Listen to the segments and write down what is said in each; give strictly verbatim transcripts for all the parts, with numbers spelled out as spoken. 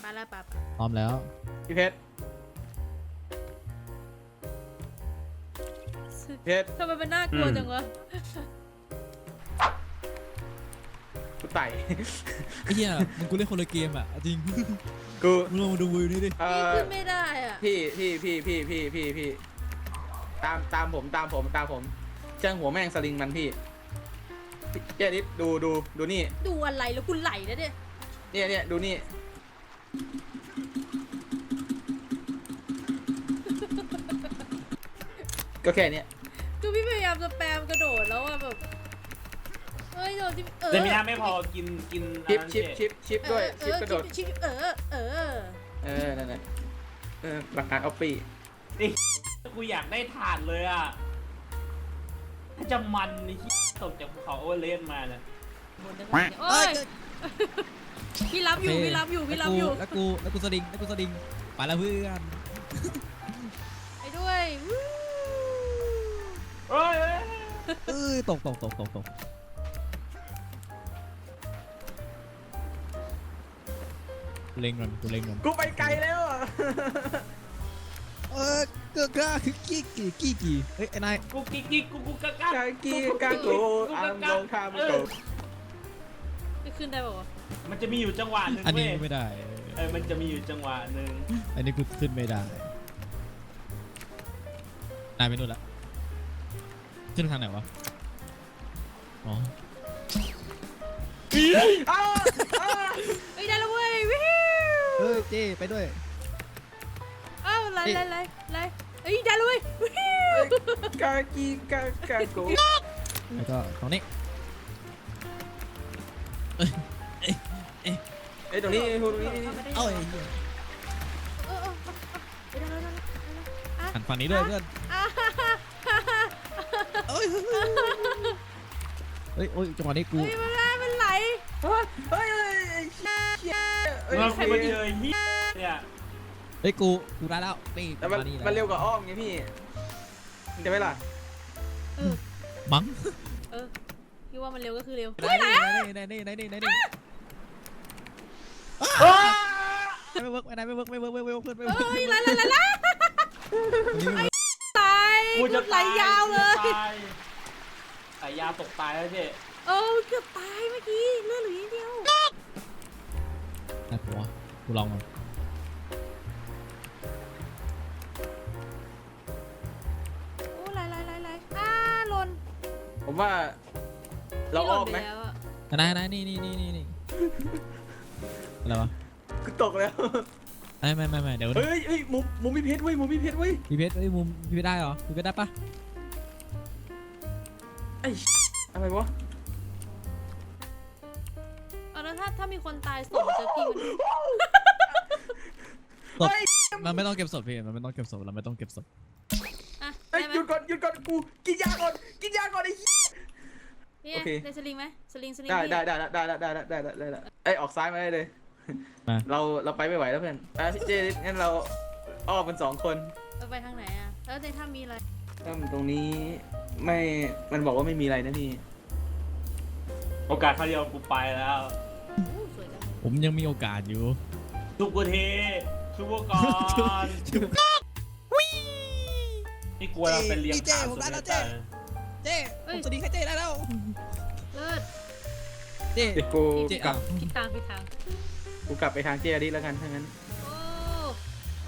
ไปแล้วปะพร้อมแล้วพี่เพชรเพชรทำไมมันน่ากลัวจังวะกูไต่ไอ้เหี้ยมึงกูเล่นคนละเกมอ่ะจริงกูมึงลองมาดูวิวนี่ดิเอ่พี่อขึ้นไม่ได้อ่ะพี่พี่พี่พี่พี่พี่พี่ตามตามผมตามผมตามผมจ้างหัวแม่งสลิงมันพี่เจ๊ดิดดูดูดูนี่ดูอะไรแล้วกูไหลแล้วเนี่ยเนี่ยเนี่ยดูนี่ก็แค่เนี้ยคือพี่พยายามจะแปมกระโดดแล้วอ่ะแบบเอ้ยโดดที่เออแต่มีน้ำไม่พอกินกินชิปอันนั้นชิปเจ๊ชิปชิปด้วยชิปกระโดดชิปเออเออเออนั่นแหละเออหลักฐานออฟฟี่กูอยากได้ถาดเลยอ่ะถ้าจะมันนี่ที่ตกจากภูเขาโอเวอร์เลนมาเนี่ยบนได้โอ้ยพี่รับอยู่พี่รับอยู่พี่รับอยู่แล้วกูแล้วกูสลิงแล้วกูสลิงไปแล้วเพื่อนไปด้วยวู้เอ้ยเอ้ยตกตกตกตกตกเล็งก่อนกูเล็งก่อนกูไปไกลแล้วอ่ะเออเกือกล้าคือกี้กี่กี้กี่เฮ้ยไอ้นายกูกิ๊กกิ๊กกูกูกะกะกากีกาโกอามโลคามโกจะขึ้นได้ป่าวะมันจะมีอยู่จังหวะหนึ่งอันเว้นี้ยไม่ได้เออมันจะมีอยู่จังหวะหนึ่งอันนี้กูขึ้นไม่ได้นายไปนู่นละขึ้นทางไหนวะอ๋ออ้าวอ้าวเฮ้ยได้แล้วเว้ยวิวเฮ้ยเจ้ไปด้วยอ้าวไล่ไล่ไล่ไล่เฮ้ยได้แล้วเว้ยวิวกากีกากาโกแล้วก็ตรงนี้เอ้ยตรงนี้ตรงนี้เอ้ยเหี้ยเออเออเออได้แล้วได้แล้วอ่ะหันฝั่งนี้ด้วยเพื่อนอ่ะเอ้ยเฮ้ยเฮ้ยโอ้ยจังหวะนี้กูเฮ้ยมันได้มันไหลเฮ้ยเฮ้ยเฮ้ยมันใครมาเจอเฮียเนี่ยเฮ้ยกูกูได้แล้วนี่แต่มันานี่แหละมันเร็วกว่าอ้อมไงพี่มันจะไหมล่ะเออมั้งเออพี่ว่ามันเร็วก็คือเร็วไหนไหนไหนไหนไหนไหนไหนไหนไม่เวิร์กไม่ได้ไม่เวิร์กไม่เวิร์กไม่เวิร์กเพื่อนไม่เวิร์กเฮ้ยไหลไหลไหลไหลตายกูจะไหลตายยาวเลยกูจะตายสายยาวตกตายแล้วเจ๊เออเกือบตายเมื่อกี้เลือดเหลือนิดเดียวน่ากลัวกูลองมันโอ้ไหลไหลไหลไหลอ่าหล่นผมว่าเราอ้อมไหมพี่ล่นปแล้วะไหนไหนนี่นี่นี่นี่นี่อะไรวะกูตกแล้วไม่ไม่ไม่ไม่เดี๋ยวเฮ้ยเฮ้ยมุมมุมพี่เพชรเว้ยมุมพี่เพชรเว้ยพี่เพชรเอ้ยมุมพี่เพชรได้เหรอพี่เพชรได้ปะไอ้อะไรวะเอาแล้วถ้าถ้ามีคนตายสองจะพี่มันศพมันไม่ต้องเก็บศพพี่มันไม่ต้องเก็บศพเราไม่ต้องเก็บศพอ่ะไอ้ได้ไหมหยุดก่อนหยุดก่อนกูกินยาก่อนกินยาก่อนไอ้เนี่ยโอเคได้สลิงไหมสลิงสลิงได้พี่ได้ได้ได้ได้ได้ได้ได้ได้ได้ไอ้ออกซ้ายมาได้เลยมาเราเราไปไม่ไหวแล้วเพื่อนอ่ะพี่เจงั้นเราอ้อมเป็นสองคนเราไปทางไหนอ่ะแล้วในถ้ำมีอะไรถ้ามันตรงนี้ไม่มันบอกว่าไม่มีอะไรนะพี่โอกาสครั้งเดียวกูไปแล้วโอ้สวยจังเลยผมยังมีโอกาสอยู่ซุปเปอร์เทซุปเปอร์ก่อนนี่กลัวเราเป็นเลี้ยงขาสุดเลยจ้ะเจ้ผมสวัสดีค่ะเจ้ได้แล้วเลิศเจ้เดี๋ยวกูเจ๊กลับผิดทางผิดทางกูกลับไปทางเจดิแล้วกันถ้างั้นโอ้โอ้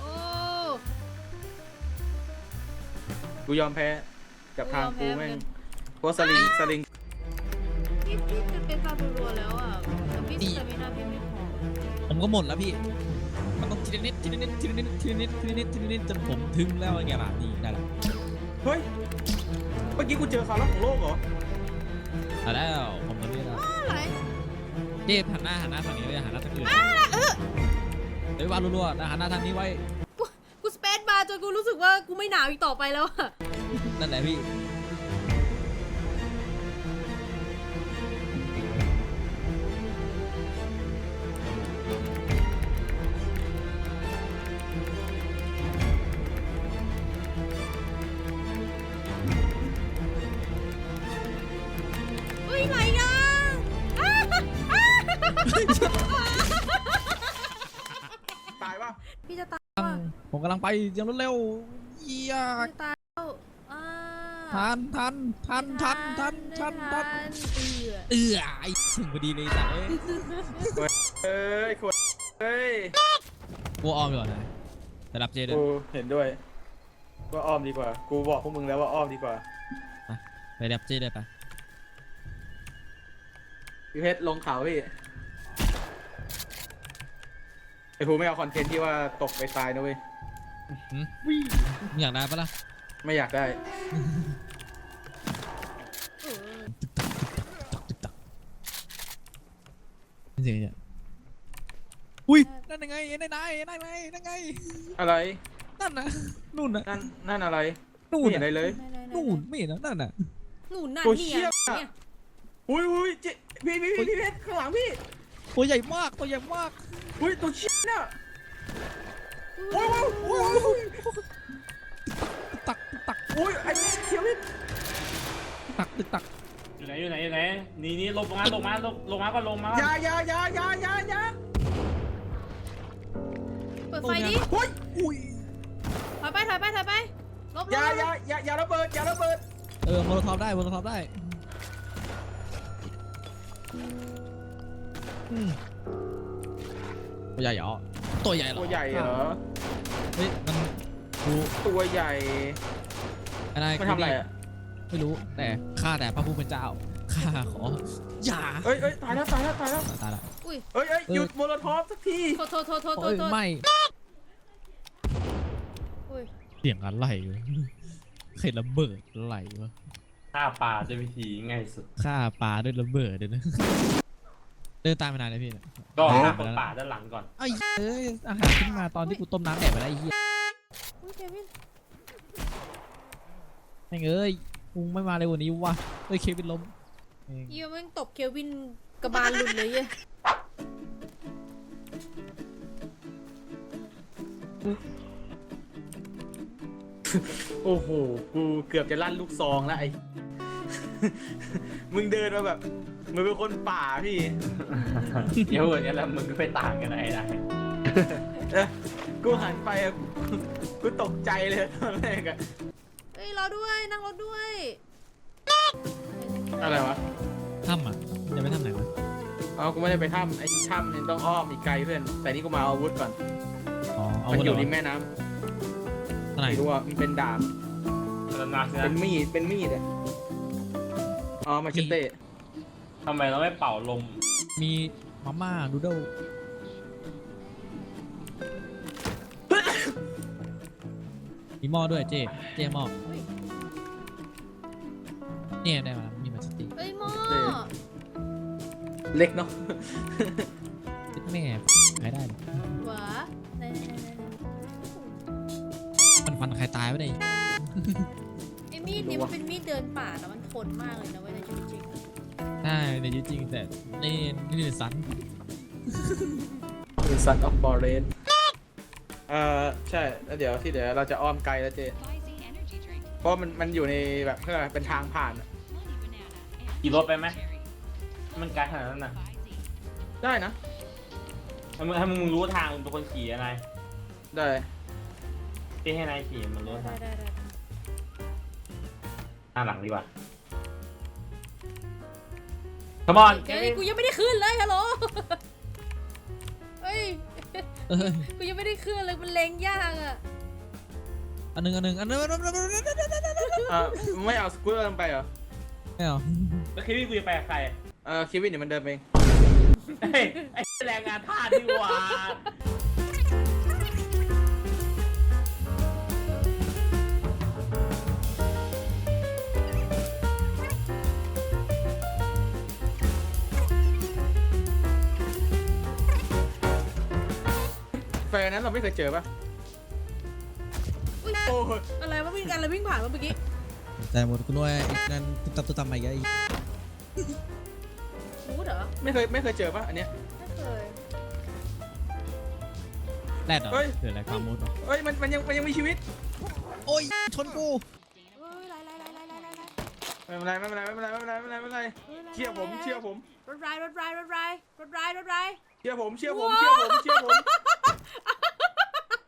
กูยอมแพ้กับทางกูกูยอมแพ้แม่งเหมือนกันเพราะสลิงสลิงพี่พี่จะเป็นคาบูรัวแล้วอ่ะแต่พี่สเตมินาพี่ไม่พอผมก็หมดแล้วพี่มันต้องทีละนิดทีละนิดทีละนิดทีละนิดทีละนิดทีละนิดจนผมถึงแล้วไงล่ะนี่ได้แล้วเฮ้ยเมื่อกี้กูเจอสาระของโลกเหรอได้แล้วผมทำได้แล้วอะไรเจ้หันหน้าหันหน้าฝั่งนี้เลยหันหน้าทางอื่นเดี๋ยววาดรัวๆนะหันหน้าทางนี้ไว้กูกูสเปซบาร์จนกูรู้สึกว่ากูไม่หนาวอีกต่อไปแล้วอ่ะนั่นแหละพี่พี่จะตายว่ะผมกำลังไปอย่างรวดเร็วเยี่ยพี่จะตายแล้วอ่าทันทันทันทันทันทันทันเอือเออไอ้ถึงพอดีเลยจ้ะเอ้ยเอ้ยขวดเอ้ยกูออมดีกว่านะแต่รับเจด้วยกูเห็นด้วยว่าอ้อมดีกว่า กูบอกพวกมึงแล้วว่าอ้อมดีกว่าไปรับเจด้วยปะพี่เพชรลงเขาพี่ไอ้ภูไม่เอาคอนเทนต์ที่ว่าตกไปตายนะเว้ยหืมมึงอยากได้ปะล่ะไม่อยากได้เออตึกตักนี่เสียงเนี่ยอุ้ยนั่นยังไงนั่นไงนั่นไงนั่นไงอะไรนั่นนะนู่นนะนั่นนั่นอะไรนู่นไม่เห็นน่ะอะไรเลยไหๆๆๆนู่นไม่เห็นนะนั่นน่ะหนูน่ะตัวเนี่เชี่ยยเนี่ยอุ้ยอุ้ยเจพี่พี่พี่พี่เพชรข้างหลังพี่ตัวใหญ่มากตัวใหญ่มากอุ้ยตัวเชี่ยน่ะโอ้ยโอ้ยโอ้ยโอ้ยตึกตักตึกตักโอ้ยไอ้เขียวพี่ตึกตักตึกตักอยู่ไหนอยู่ไหนอยู่ไหนนี่นี่ลงมาลงมาลงลงมาก็ลงมาอยาอยาอยาอยาอยาอยาเปิดไฟดิโอ้ยอุ้ยถอยไปถอยไปถอยไปลบลอยาบอยาอยาอยาระเบิดอยาระเบิดเออโมโลทอปได้โมโลทอปได้อืมตัวใหญ่เหรอตัวใหญ่เหรอตัวใหญ่เหรอเฮ้ยมันกูตัวใหญ่อะไรมันทำอะไรอ่ะไม่รู้แต่ข้าแต่พระผู้เป็นเจ้าข้าขออย่าเอ้ยเอ้ยตายแล้วตายแล้วตายแล้วตายละอุ้ยเอ้ยเอ้ยหยุดโมโลทอฟสักทีโทษโทษโทษโทษโทโอ้ษยโทษไม่อุ้ยเสียงอะไรวะใครระเบิดอะไรวะฆ่าปลาด้วยวิธีง่ายสุดฆ่าปลาด้วยระเบิดเลยนะเดินตามไปนานเลยพี่เนี่ยก็ฆ่าคนป่าด้านหลังก่อนไอ้เอ้ยอาหารขึ้นมาตอนที่กูต้มน้ำแดดไปแล้วไอ้เหี้ยอุ้ยเควินแม่งเอ้ยกูไม่มาเลยวันนี้วะเอ้ยเควินล้มแม่งเยี่ยแม่งตบเควินกระบาลหลุดเลยเย้ยโอ้โหกูเกือบจะลั่นลูกซองแล้วไอ้ มึงเดินมาแบบมึงเป็นคนป่าพี่เดี๋ยวอย่างนี้แล้วมึงก็ไปต่างกันไหนได้เออกูหันไปอะกูกูตกใจเลยตอนแรกอะเฮ้ยรอด้วยนั่งรถด้วยอะไรวะถ้ำอ่ะจะไปถ้ำไหนวะเอากูไม่ได้ไปถ้ำไอ้ถ้ำเนี่ยต้องอ้อมอีกไกลเพื่อนแต่นี่กูมาเอาอาวุธก่อนอ๋อเอามันไว้อเหรยู่อริมแม่น้ข้างในำไม่รู้ว่ามันเป็นดาบแล้วนาสิเป็นะนมีดเป็นมีดอะอ๋อมาเชเต้ทำไมเราไม่เป่าลมมีมาม่าดูเดิลมีหม้อด้วยเจ๊เจ๊หม้อเฮ้ยเนี่ยได้มามีมาสติเฮ้ยหม้อเล็กเนาะแม่ใครได้เลยหวะไหนไหนไหนไหนมันฟันใครตายไม่ได้ไอ้มีดนี่มันเป็นมีดเดินป่านะมันทนมากเลยนะเว้ยในชีวิตจริงอะใช่ในชีวิตจริงแต่นี่นี่คือสันคือ Son of f o r e s t เอ่อใช่แล้วเดี๋ยวที่เดี๋ยวเราจะอ้อมไกลแล้วเจเพราะมันมันอยู่ในแบบเพื่อเป็นทางผ่านอะขี่รถไปไหมมันไกลขนาดนั้นน่ะได้นะถ้ามึงถ้ามึงรู้ทางมึงเป็นคนขี่อะไรได้ที่ให้นายขี่มันรู้ได้ทางได้ได้หน้าหลังดีกว่า Come on เฮ้ยกูยังไม่ได้ขึ้นเลยฮัลโหลเฮ้ยเอ้ยกูยังไม่ได้ขึ้นเลยมันเล็งยากอะอันหนึงอันหนึงอันหนึงอันหนึงอันหนึ่งเอ่อไม่เอาสกูตเตอร์ลงไปเหรอไม่เอาแล้วคิดว่ากูจะไปกับใครเออคิวินเนี่ยมันเดินไปเองเฮ้ยไอ้แรงงานทาสดีกว่าแฟนนั้นเราไม่เคยเจอปะอุ้ยโอ้ยอะไรวะวิ่งกันอะไรวิ่งผ่านมาเมื่อกี้แต่หมดกูด้วยไอ้นั่นตุ๊บตับตุ๊บตับมาอีกแล้วไอ้มูดเหรอไม่เคยไม่เคยเจอปะอันเนี้ยไม่เคยแรดเหรอเฮ้ยเกิดอะไรความมุดเหรอเอ้ยมันมันยังมันยังมีชีวิตโอ้ยชนกูเฮ้ยไล่ไล่ไล่ไล่ไล่ไล่ไล่ไม่เป็นไรไม่เป็นไรไม่เป็นไรไม่เป็นไรไม่เป็นไรไม่เป็นไรเชื่อผมเชื่อผมรถไรรถไรรถไรรถไรรถไรเชื่อผมเชื่อผมเชื่อผมเชื่อผม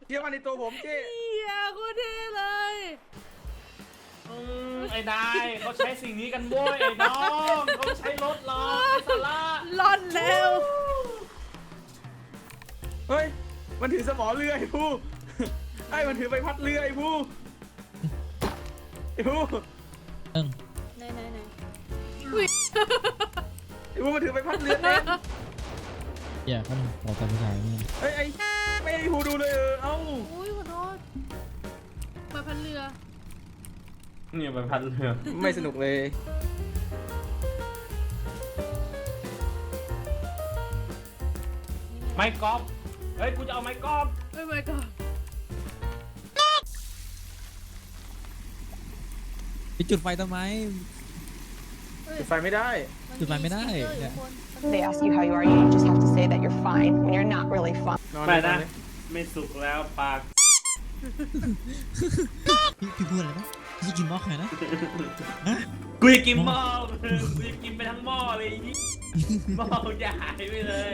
เชื่อมันในตัวผมเจ๊เฮียโคตรเท่เลยอืมไอ้นายเขาใช้สิ่งนี้กันบ้วยไอ้น้องเขาใช้รถหรอกไอ้สาระล่อนแล้วเฮ้ยมันถือสมอเรือไอ้ผู้ไอ้มันถือใบพัดเรือไอ้ผู้ไอ้ผู้เอิงไหนไหนไหนไอ้ผู้มันถือใบพัดเรือเองอย่าเขาขอการผู้ชายนี่เฮ้ยไอ้ไม่ให้ผู้ดูเลยเออเอ้าอุ้ยขอโทษใบพันเรือเนี่ยใบพัดเรือไม่สนุกเลยไม้กอล์ฟเฮ้ยกูจะเอาไม้กอล์ฟไม่ไม่ก่อนไปจุดไฟทำไมจุดไฟไม่ได้จุดไฟไม่ได้เนี่ย They ask you how you are, you just have to say that you're fine when you're not really fine. นอนไม่เลยนอนะนเลยไม่สุกแล้วปากพี่พี่พูดอะไรนะพี่จะกินหม้อใครนะฮะกูจะกินหม้อกูจะกินไปทั้งหม้อเลยไอ้นี่หม้อจะหายไปเลย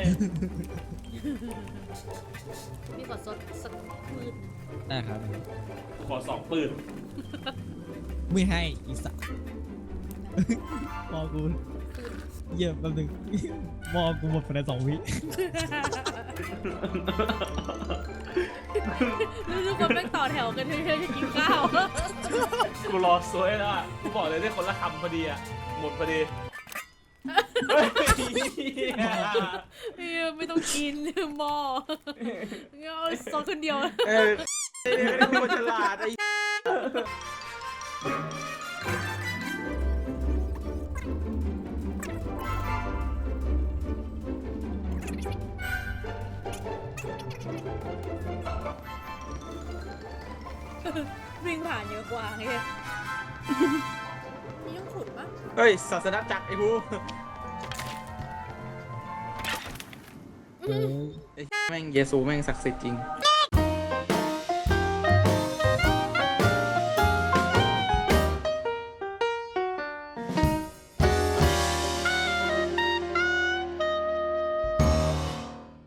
พี่ขอซดสักมืดได้ครับขอสองปืนไม่ให้อีสักมอกูเยี่ยมแป๊บนึงมอกูหมดภายในสองวิรู้ทุกคนแม่งต่อแถวกันเพื่อจะกินข้าวกูรอสวยแล้วอ่ะกูบอกเลยได้คนละคำพอดีอ่ะหมดพอดีเฮ้ยเออไม่ต้องกินหม้องั้นเอาซดคนเดียวเออไอ้ไอ้ผู้มันฉลาดไอ้วิ่งผ่านเยอะกว่าไงมีต้องขุดปะเฮ้ยศาสนาจักรไอ้ผู้เออไอ้แม่งเยซูแม่งศักดิ์สิทธิ์จริง